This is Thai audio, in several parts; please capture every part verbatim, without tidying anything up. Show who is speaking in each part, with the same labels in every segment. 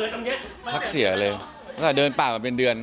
Speaker 1: ตรงเนี้ย
Speaker 2: พักเสียเลยตั้งแต่เดินป่ามาเป็นเดือน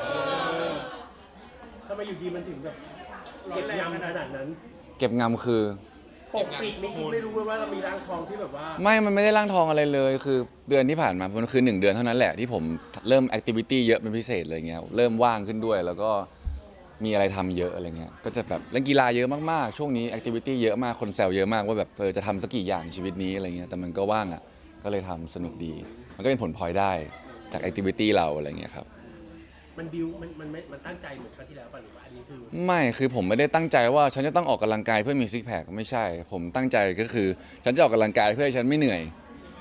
Speaker 1: ทำไมอยู่ดีมันถึงแบบเก็บยำขนาดนั้น
Speaker 2: เก็บงำคือ
Speaker 1: ปกปิดไม่คิดไม่รู้เลยว่าเรามีร่างทองที่แบบว่า
Speaker 2: ไม่มันไม่ได้ร่างทองอะไรเลยคือเดือนที่ผ่านมามันคือหนึ่งเดือนเท่านั้นแหละที่ผมเริ่มแอคทิวิตี้เยอะเป็นพิเศษเลยเงี้ยเริ่มว่างขึ้นด้วยแล้วก็มีอะไรทำเยอะอะไรเงี้ยก็จะแบบเล่นกีฬาเยอะมากๆช่วงนี้แอคทิวิตี้เยอะมากคนแซวเยอะมากว่าแบบเออจะทำสักกี่อย่างชีวิตนี้อะไรเงี้ยแต่มันก็ว่างอ่ะก็เลยทำสนุกดีมันก็เป็นผลพลอยได้จากแอคทิวิตี้เราอะไรเงี้ยครับ
Speaker 1: มันบิวมันมันมันตั้งใจเหมือนครั้งที่แล้วป่ะหรือว่าอันนี้คือ
Speaker 2: ไม่คือผมไม่ได้ตั้งใจว่าฉันจะต้องออกกำลังกายเพื่อมีซิกแพคไม่ใช่ผมตั้งใจก็คือฉันจะออกกำลังกายเพื่อให้ฉันไม่เหนื่อย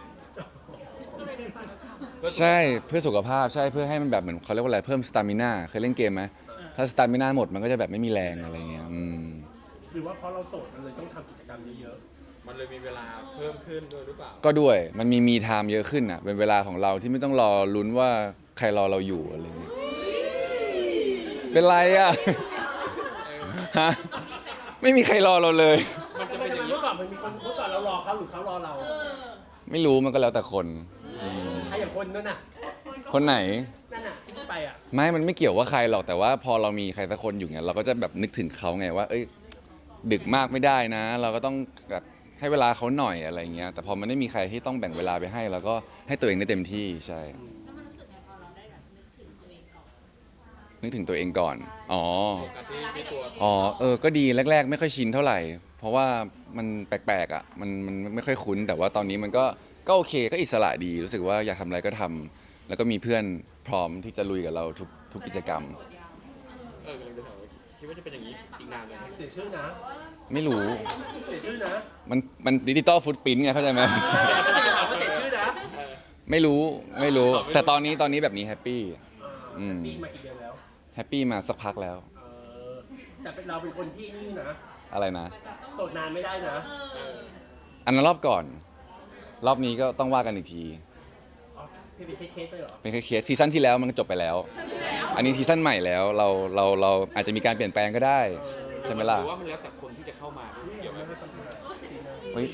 Speaker 2: ใช่เพื่อสุขภาพใช่เพื่อให้มันแบบเหมือนเขาเรียกว่าอะไรเพิ่มสตามิน่าเคยเล่นเกมไหมถ้าสตามิน่าหมดมันก็จะแบบไม่มีแรงอะไรเงี้ยอืม
Speaker 1: หรือว่าเพราะเราโสดมันเลยต้องทำกิจกรรมเยอะ
Speaker 3: ๆมันเลยมีเวลาเพิ่มขึ้นด้วยหรือเปล่า
Speaker 2: ก็ด้วยมันมีมีไทม์เยอะขึ้นอ่ะเป็นเวลาของเราที่ไม่ต้องรอลุ้นว่าใครรอเราอยู่อะไรเงี้ยเป็นไรอ่ะฮะไม่มีใครรอเราเลย
Speaker 1: มันจะเป็นอย่างนี้เมื่อก่อนมันมีคนเมื่อก่อนเรารอเขาหรือเขารอเรา
Speaker 2: ไม่รู้มันก็แล้วแต่คน
Speaker 1: ถ้าอย่างคนนั่นน่ะ
Speaker 2: คนไหน
Speaker 1: นั่นน่ะที่ไปอ่ะ
Speaker 2: ไม่มันไม่เกี่ยวว่าใครหรอกแต่ว่าพอเรามีใครสักคนอยู่เนี่ยเราก็จะแบบนึกถึงเขาไงว่าเอ้ยดึกมากไม่ได้นะ เราก็ต้องแบบให้เวลาเขาหน่อยอะไรเงี้ยแต่พอมันไม่มีใครที่ต้องแบ่งเวลาไปให้เราก็ให้ตัวเองได้เต็มที่ใช่
Speaker 4: แล้วมันรู้สึกไงพอเราได้แบบนึกถึงตัวเองก่อน
Speaker 2: นึกถึงตัวเองก่อนอ๋อ
Speaker 3: การที่ที่ตัว
Speaker 2: อ๋อเออก็ดีแรกๆไม่ค่อยชินเท่าไหร่ เพราะว่ามันแปลกๆอ่ะมันมันไม่ค่อยคุ้นแต่ว่าตอนนี้มันก็ก็โอเคก็อิสระดีรู้สึกว่าอยากทำอะไรก็ทำแล้วก็มีเพื่อนพร้อมที่จะลุยกับเราทุกทุกกิจกรรม
Speaker 3: เออกำลังจะถามว่าคิดว่าจะเป็นอย่างนี้อีกนานไหม
Speaker 1: เสียชื่อนะ
Speaker 2: ไม่รู้
Speaker 1: เสียชื่อนะ
Speaker 2: มันมันดิจิตอลฟุตปรินท์ไงเข้าใจไหม
Speaker 1: เสียชื่อนะ
Speaker 2: ไม่รู้ไม่รู้แต่ตอนนี้ตอนนี้แบบนี้แฮปปี้
Speaker 1: อืมปีมากี่เดือนแล้ว
Speaker 2: แฮปปี้มาสักพักแล้ว
Speaker 1: แต่เป็นเราเป็นคนที่นี่นะ
Speaker 2: อะไรนะ
Speaker 1: โสดนานไม่ได้นะ
Speaker 2: อันนั้นรอบก่อนรอบนี้ก็ต้องว่ากันอีกที
Speaker 1: เป็นเคสเลยเหรอ
Speaker 2: เป็นเคสซีซั่นที่แล้วมันจบไปแล้วอันนี้ซีซั่นใหม่แล้วเราเราเราอาจจะมีการเปลี่ยนแปลงก็ได้ใช่ไหมล่ะ
Speaker 3: หรือว่ามันแล้วแต่คนที่จะเข้ามาเกี่ยวไหม
Speaker 2: เฮ้ย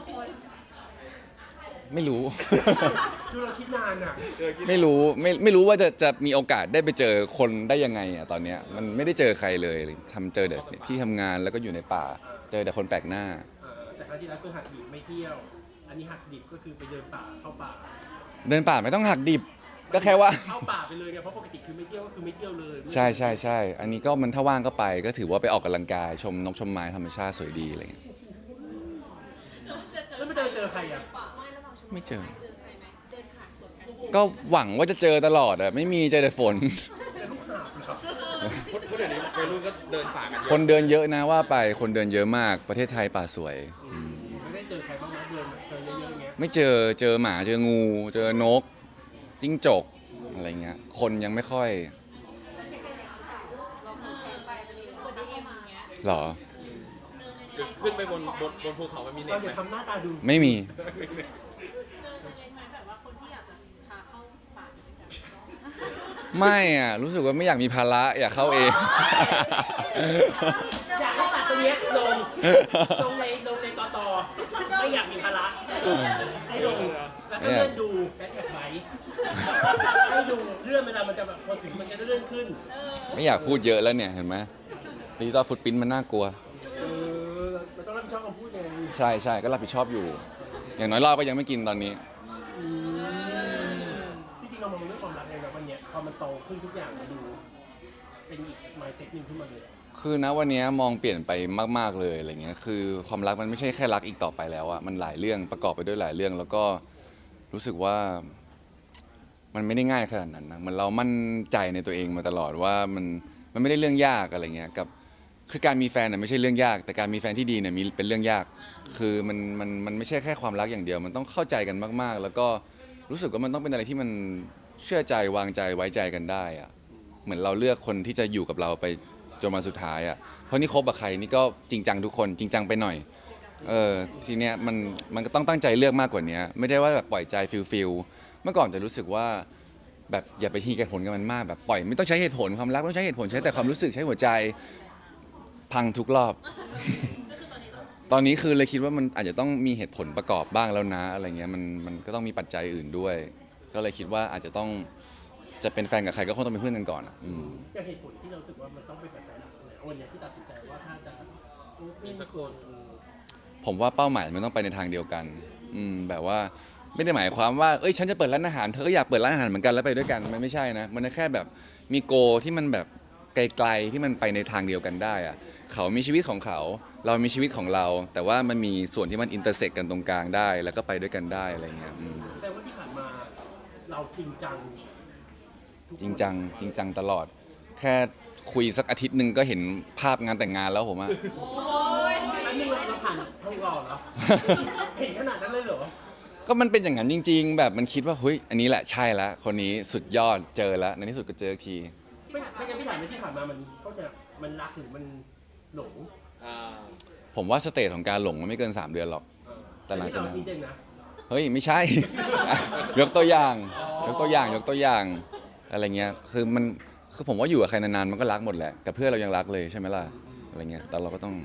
Speaker 2: ไม่รู้
Speaker 1: ดูเราคิดนานอ่ะ
Speaker 2: ไม่รู้ไม่ไม่รู้ว่าจะจะมีโอกาสได้ไปเจอคนได้ยังไงอ่ะตอนเนี้ยมันไม่ได้เจอใครเลยทำเจอแต่ที่ทำงานแล้วก็อยู่ในป่าเจอแต่คนแปลกหน้า
Speaker 1: แต่ครั้งที่แล้วคือหักดิบไม่เที่ยวอันนี้หักดิบก็คือไปเดินป่าเข้าป่า
Speaker 2: เดินป่าไม่ต้องหักดิบก็แค่ว่า
Speaker 1: เข้าป่าไปเลยไงเพราะปกติคือไม่เที่ยวก็คือไม่เที่ยวเลย
Speaker 2: ใช่ใช่ใช่อันนี้ก็มันถ้าว่างก็ไปก็ถือว่าไปออกกำลังกายชมนกชมไม้ธรรมชาติสวยดีอะไรเงี้ย
Speaker 1: แล้วไม่เจอเจอใครอ่ะ
Speaker 2: ไม่เจอก็หวังว่าจะเจอตลอดอะไม่มีเจอแต่ฝน
Speaker 3: เพราะเดี๋ยวนี้วัยรุ่นก็เดินป่ากัน
Speaker 2: คนเดินเยอะนะว่าไปคนเดินเยอะมากประเทศไทยป่าสวย
Speaker 1: ไม่ได้เจอใครบ้างนะเดินเจอเยอะๆอย่างเงี้ย
Speaker 2: ไม่เจอเจอหมาเจองูเจอนกจิ้งจกอะไรเงี้ยคนยังไม่ค่อยหรอ
Speaker 3: ขึ้นไปบนบนบนภูเขามันมีเน็ตไหม
Speaker 1: ทำหน้าตาดู
Speaker 2: ไม่มีไม่อ่ะรู้สึกว่าไม่อยากมีภาระอยากเข้าเอง
Speaker 1: อยากให้ตัดตรงนี้ลงลงในลงในตอตอไม่อยากมีภาระให้ลงแล้วก็เลื่อนดูแฮชแท็กไว้ให้ดูเลื่อนเวลามันจะแบบพอถึงมันจะเลื่อนขึ้น
Speaker 2: ไม่อยากพูดเยอะแล้วเนี่ยเห็นไหมดิจิตอลฟุตปรินท์มันน่ากลัว
Speaker 1: เออเราต้องรับผิดชอบคำพูดไง
Speaker 2: ใช่ใช่ก็รับผิดชอบอยู่อย่างน้อยเราก็ยังไม่กินตอนนี้
Speaker 1: จริงๆเรามองเรื่องความรักเลยนะวันนี้พอมันโตขึ้นทุกอย่างมันดูเป็นอีก mindset นึงขึ้นมาเลย
Speaker 2: คือนะวันนี้มองเปลี่ยนไปมากๆเลยอะไรเงี้ยคือความรักมันไม่ใช่แค่รักอีกต่อไปแล้วอะมันหลายเรื่องประกอบไปด้วยหลายเรื่องแล้วก็รู้สึกว่ามันไม่ได้ง่ายขนาดนั้นนะเหมือนเรามั่นใจในตัวเองมาตลอดว่ามันมันไม่ได้เรื่องยากอะไรเงี้ยกับคือการมีแฟนน่ะไม่ใช่เรื่องยากแต่การมีแฟนที่ดีเนี่ยมีเป็นเรื่องยากคือมันมันมันไม่ใช่แค่ความรักอย่างเดียวมันต้องเข้าใจกันมากๆแล้วก็รู้สึกว่ามันต้องเป็นอะไรที่มันเชื่อใจวางใจไว้ใจกันได้อะเหมือนเราเลือกคนที่จะอยู่กับเราไปจนมาสุดท้ายอ่ะเพราะนี่คบกับใครนี่ก็จริงจังทุกคนจริงจังไปหน่อยเออทีเนี้ยมันมันก็ต้องตั้งใจเลือกมากกว่านี้ไม่ได้ว่าแบบปล่อยใจฟิลฟิลเมื่อก่อนจะรู้สึกว่าแบบอย่าไปทีเหตุผลกับมันมากแบบปล่อยไม่ต้องใช้เหตุผลความรักไม่ต้องใช้เหตุผลใช้แต่ความรู้สึกใช้หัวใจพังทุกรอบตอนนี้คือเลยคิดว่ามันอาจจะต้องมีเหตุผลประกอบบ้างแล้วนะอะไรเงี้ยมันมันก็ต้องมีปัจจัยอื่นด้วยก็เลยคิดว่าอาจจะต้องจะเป็นแฟนกับใครก็คงต้องเป็นเพื่อนกันก่อนอะอืม
Speaker 1: อย่างเหตุผลที่เรารู้สึกว่ามันต้องเป็นปัจจัยหลักเลยวันเนี้ยที่ตัดสินใจว่าถ้าจะ
Speaker 3: มีสักคน
Speaker 2: ผมว่าเป้าหมายมันต้องไปในทางเดียวกัน อืมแบบว่าไม่ได้หมายความว่าเอ้ยฉันจะเปิดร้านอาหารเธอก็อยากเปิดร้านอาหารเหมือนกันแล้วไปด้วยกันมันไม่ใช่นะมันแค่แบบมีโกที่มันแบบไกลๆที่มันไปในทางเดียวกันได้อะเขามีชีวิตของเขา เรามีชีวิตของเรา แต่ว่ามันมีส่วนที่มันอินเตอร์เซ็กกันตรงกลางได้ แล้วก็ไปด้วยกันได้อะไรเงี้ยอืม
Speaker 1: แสดงว่าที่ผ่านมาเราจริงจังทุกคน
Speaker 2: จริงจังจริงจังตลอด แค่คุยสักอาทิตย์หนึ่งก็เห็นภาพงานแต่งงานแล้วผมอะ
Speaker 1: อันนี้เราผ่านท้องรอเหรอ เห็นขนาดนั้นเลยเหรอ
Speaker 2: ก็มันเป็นอย่างนั้นจริง ๆ แบบมันคิดว่าเฮ้ยอันนี้แหละใช่แล้วคนนี้สุดยอดเจอแล้วในที่สุดก็เจออีกที
Speaker 1: ไม่ไม่งั้นพี่ถามในที่ผ่านมามันก็จะมันรักหรือมันหลง
Speaker 3: อ่า
Speaker 2: ผมว่าสเตจของการหลงมันไม่เกิน สาม เดือนหรอก แต่หลังจากนั้น
Speaker 1: ที่เราคิดเองนะ
Speaker 2: เฮ้ยไม่ใช่ ยกตัวอย่าง ยกตัวอย่างยกตัวอย่างอะไรเงี้ยคือมันคือผมว่าอยู่กับใครนานๆมันก็รักหมดแหละกับเพื่อนเรายังรักเลยใช่ไหมล่ะอะไรเงี้ยแต่เราก็ต้อง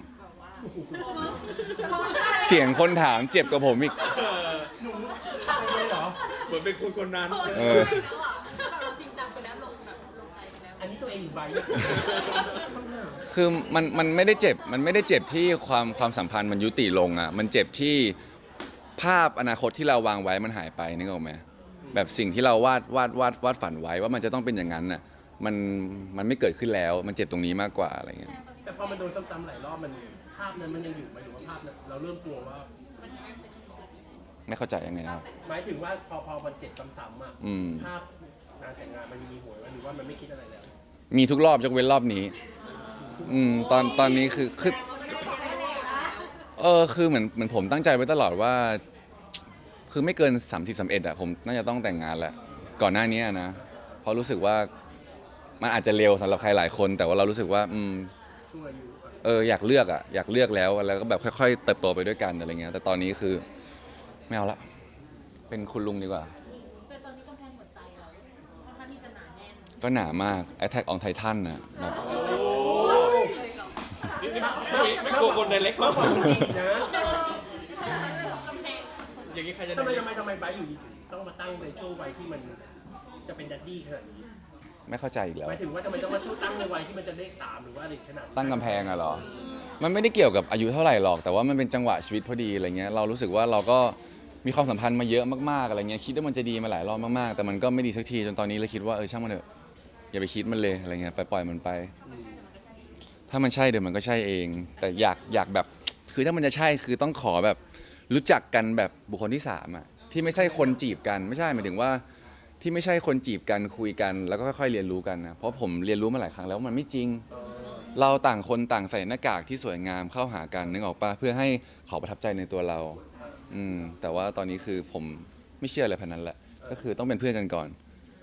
Speaker 2: เสียงคนถามเจ็บกับผมอีก
Speaker 1: หนูใช่เหรอ
Speaker 3: เหมือนเป็นคนคนนั้น
Speaker 2: เออ
Speaker 4: เราจริงจังไปแล้วลงแบบลงใจไปแล้ว
Speaker 1: อันนี้ตัวเองหรือใบ
Speaker 2: คือมันมันไม่ได้เจ็บมันไม่ได้เจ็บที่ความความสัมพันธ์มันยุติลงอ่ะมันเจ็บที่ภาพอนาคตที่เราวางไว้มันหายไปนึกออกไหมแบบสิ่งที่เราวาดวาดวาดวาดฝันไว้ว่ามันจะต้องเป็นอย่างนั้นน่ะมันมันไม่เกิดขึ้นแล้วมันเจ็บตรงนี้มากกว่าอะไรเงี้ย
Speaker 1: แต่พอมันโดนซ้ำๆหลายรอบมันภาพนั้นมันยังอยู่ไหมหรือว่าภาพนั้นเราเริ่มกลัวว่า
Speaker 2: ไม่เข้าใจยังไงนะครับ
Speaker 1: หมายถึงว่าพอพอมันเจ็บซ้ำๆอ่ะ
Speaker 2: อืม
Speaker 1: ภาพงานแต่งงานมันมีหวยไหมหรือว่ามันไม่คิดอะไรแล้ว
Speaker 2: มีทุกรอบยกเว้นรอบนี้ อืมตอนตอนนี้คือคือเออคือเหมือนเหมือนผมตั้งใจไว้ตลอดว่า คือไม่เกินสามสิบสามเอ็ดอะผมน่าจะต้องแต่งงานแหละก่อนหน้านี้นะเพราะรู้สึกว่ามันอาจจะเร็วสำหรับใครหลายคน แต่ว่าเรารู้สึกว่า อืม
Speaker 1: ช่วยอยู่อ่ะ
Speaker 2: เอออยากเลือกอะอยากเลือกแล้วแล้วก็แบบค่อยๆเติบโตไปด้วยกันอะไรเงี้ยแต่ตอนนี้คือไม่เอาละเป็นคุณลุงดีกว่า
Speaker 4: แต่ตอนนี้กำแพงหัวใจเราค่อนข้างที่จะหนาแน่น
Speaker 2: ก็หนามาก Attack on Titan นะแบบ
Speaker 4: เลยเหรอ
Speaker 3: นี่นี่ไม่ไม่กลัวคนในเล็ก
Speaker 1: มากกว่าคนจีนนะ
Speaker 4: กำแพง
Speaker 3: อย่างนี้ใครจะ
Speaker 1: ทำไมทำไมทำไมไบร์ทอยู่ดีถึงต้องมาตั้งในช่วงวัยที่มันจะเป็นดัดดี้ขนาดนี้
Speaker 2: ไม่เข้าใจอีกแล้ว
Speaker 1: หมายถึงว่าทำไมต้องมาช่วงตั้งในวัยที่มันจะเลขสามหรือว่าอะไรขนาดนั้น
Speaker 2: ตั้งกำแพงอะเหรอ มันไม่ได้เกี่ยวกับอายุเท่าไหร่หรอก แต่ว่ามันเป็นจังหวะชีวิตพอดีอะไรเงี้ย เรารู้สึกว่าเราก็มีความสัมพันธ์มาเยอะมากๆอะไรเงี้ย คิดว่ามันจะดีมาหลายรอบมากๆ แต่มันก็ไม่ดีสักทีจนตอนนี้เลยคิดว่าเออช่างมันเถอะ อย่าไปคิดมันเลยอะไรเงี้ย ไปปล่อยมันไป ถ้ามันใช่เดี๋ยวมันก็ใช่เอง แต่อยากอยากแบบ คือถ้ามันจะใช่คือต้องขอแบบรู้จักกันแบบบุคคลที่สามอะที่ไม่ใช่คนจีบกัน ไม่ใช่หมายถึงว่า ที่ไม่ใช่คนจีบกันคุยกันแล้วก็ค่อยๆเรียนรู้กันนะ เพราะผมเรียนรู้มาหลายครั้งแล้วมันไม่จริง เราต่างคนต่างใส่หน้ากากที่สวยงามเข้าหากันนึกออกปะเพื่อให้เขาประทับใจในตัวเรา อืมแต่ว่าตอนนี้คือผมไม่เชื่ออะไรพันนั้นแหละ ก็คือต้องเป็นเพื่อนกันก่อน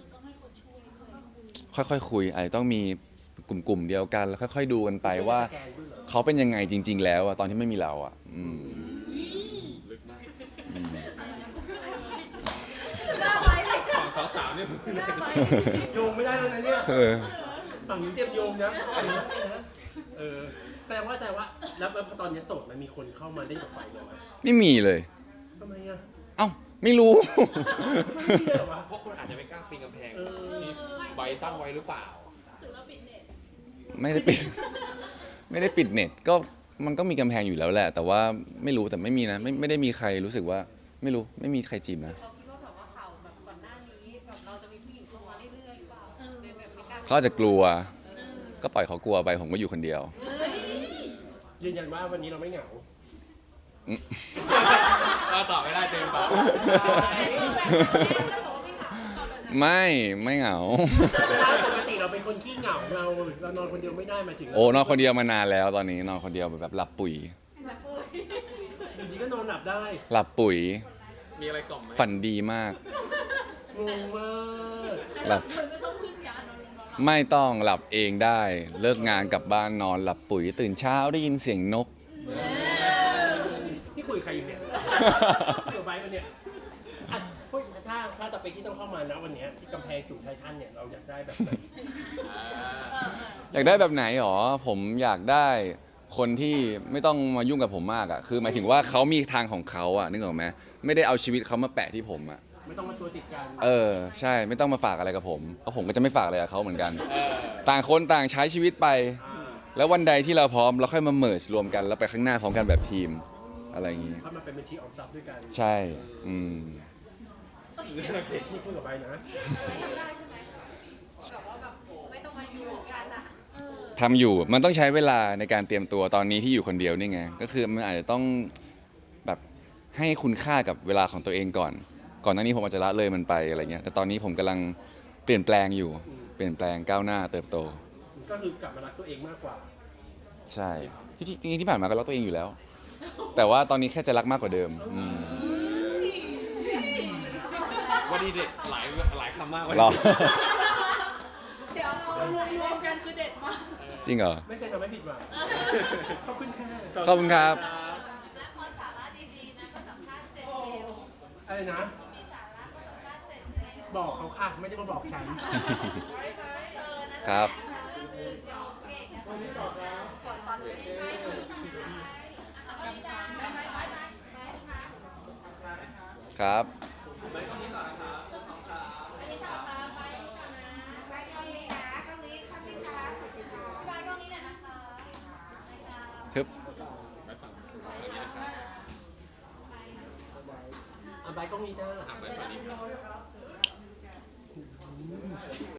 Speaker 2: ค่อยๆคุยอาจจะต้องมีกลุ่มๆเดียวกันแล้วค่อยๆดูกันไปว่า
Speaker 1: สแกนด้วยเหรอ
Speaker 2: เขาเป็นยังไงจริง ๆ แล้วอะตอนที่ไม่มีเราอะอืม
Speaker 3: ลึกมาก
Speaker 2: อืม
Speaker 3: ฝั่งสาวๆเนี่ย
Speaker 1: โยงไม่ได้แล้วนะเนี่ย
Speaker 2: เออ
Speaker 1: ฝั่งนี้เตรียมโยงนะเออแสดงว่าแสดงว่าแล้วแล้วพอตอนนี้โสดมันมีคนเข้ามาเล่นกับไฟเลยไหม
Speaker 2: ไม่มีเลย
Speaker 1: ทำไมอ่ะ
Speaker 2: เอ้าไม่รู้
Speaker 1: ไม่มีเลยเหรอวะ
Speaker 3: เพราะคนอาจจะไม่กล้าปีนกำแพง
Speaker 1: เออ
Speaker 3: ที่ใบตั้งไว้หรือเปล่า
Speaker 4: ถึงเราปิดเน็ต
Speaker 2: ไม่ได้ปิด ไม่ได้ปิดเน็ตก็มันก็มีกำแพงอยู่แล้วแหละ แต่ว่าไม่รู้แต่ไม่มีนะไม่ไม่ได้มีใครรู้สึกว่า ไม่รู้ไม่มีใครจีบนะ
Speaker 4: เขาคิดว่าแบบว่าข่าวแบบก่อนหน้านี้แบบเราจะมีผู้หญิงเข้ามาเรื่อยๆหรือเปล่าเลยแบบไม่กล้า
Speaker 2: เขาอาจจะกลัว ก็ปล่อยเขากลัวไปผมก็อยู่คนเดียว
Speaker 1: ยืนยันว่าวันนี้เราไม่เหงา
Speaker 3: เราตอบไม่ได้เต็มปาก
Speaker 2: ไม่ไม่เหงา
Speaker 1: ปกติเราเป็นคนขี้เหงาเราเรานอนคนเดียวไม่ได้หมายถึง
Speaker 2: โอ้นอนคนเดียวมานานแล้วตอนนี้นอนคนเดียวแบบหลับปุ๋ย
Speaker 1: อยู่ดีก็นอนหลับได้
Speaker 2: หลับปุ๋ย
Speaker 3: มีอะไรกล่อมไหม
Speaker 2: ฝันดีมาก
Speaker 1: งงมาก
Speaker 2: หลับ
Speaker 4: ไม่ต้องพึ่งยานอนลงนอน
Speaker 2: ไม่ต้องหลับเองได้ เลิกงานกลับบ้านนอนหลับปุ๋ย ตื่นเช้าได้ยินเสียงนก
Speaker 1: ที่คุยกับใครอยู่เนี่ยเดี๋ยวไปวันเนี่ยอ่ะเฮ้ยถ้าถ้าสเปคที่ต้องเข้ามานะวันเนี้ยที่กำแพงสูงไททันเนี่ยเราอยากได้แบบไหน
Speaker 3: อ่า
Speaker 2: อยากได้แบบไหนหรอ ผมอยากได้คนที่ไม่ต้องมายุ่งกับผมมากอะคือหมายถึงว่าเขามีทางของเขาอะนึกออกไหมไม่ได้เอาชีวิตเขามาแปะที่ผมอะ
Speaker 1: ไม่ต้องมาตัวติดกัน
Speaker 2: เออใช่ไม่ต้องมาฝากอะไรกับผมเพราะผมก็จะไม่ฝากอะไรกับเขาเหมือนกัน
Speaker 3: เออ
Speaker 2: ต่างคนต่างใช้ชีวิตไป
Speaker 1: อ่า
Speaker 2: แล้ววันใดที่เราพร้อมเราค่อยมาเมิร์รวมกันแล้วไปข้างหน้าพร้อมกันแบบทีมอะไรอย่างงี้
Speaker 1: เข้ามาเป็นบัญชีออมทรัพย์ด้วยกัน
Speaker 2: ใช่อืม
Speaker 1: นี่คุยกับใบนะ
Speaker 4: ทำได้ใช่ไหมแบบว่าแบบไม่ต้องมาอยู่กันอะเออ
Speaker 2: ทำอยู่มันต้องใช้เวลาในการเตรียมตัวตอนนี้ที่อยู่คนเดียวนี่ไงก็คือมันอาจจะต้องแบบให้คุณค่ากับเวลาของตัวเองก่อน ก่อนหน้านี้ผมอาจจะละเลยมันไปอะไรเงี้ยแต่ตอนนี้ผมกำลังเปลี่ยนแปลงอยู่ เปลี่ยนแปลงก้าวหน้าเติบโต
Speaker 1: ก็คือกลับมารักตัวเองมากกว่า
Speaker 2: ใช่ที่จริงๆที่ผ่านมาก็รักตัวเองอยู่แล้ว แต่ว่าตอนนี้แค่จะรักมากกว่าเดิมอืม
Speaker 3: วันนี้เด็ดหลายหลายคำมากวัน
Speaker 2: รอ
Speaker 3: นี้
Speaker 4: เดี๋ยวเรารวมๆกันคือเด็ดมาก
Speaker 2: จริงเหรอ
Speaker 1: ไม่เคยทำให้ผิดหวังขอบคุณค่ะ
Speaker 2: ขอบคุณครับ
Speaker 5: และพอสาระดีๆนะก็สัมภาษณ์เสร็จเร็ว
Speaker 1: อะไรนะ
Speaker 5: มีสาระก็สัมภาษณ์เสร็จเร็ว
Speaker 1: บอกเขาค่ะ ไม่ได้มาบอกฉัน
Speaker 5: เธอนะครับ เรื่องอื่นเดี๋ยวเก่งนะ
Speaker 2: ครับ
Speaker 5: บายกล้องนี้หน่อยนะคะ
Speaker 2: ทึบ
Speaker 1: อ่ะใบกล้องนี้ได้
Speaker 3: อ่ะไปฝั่งนี้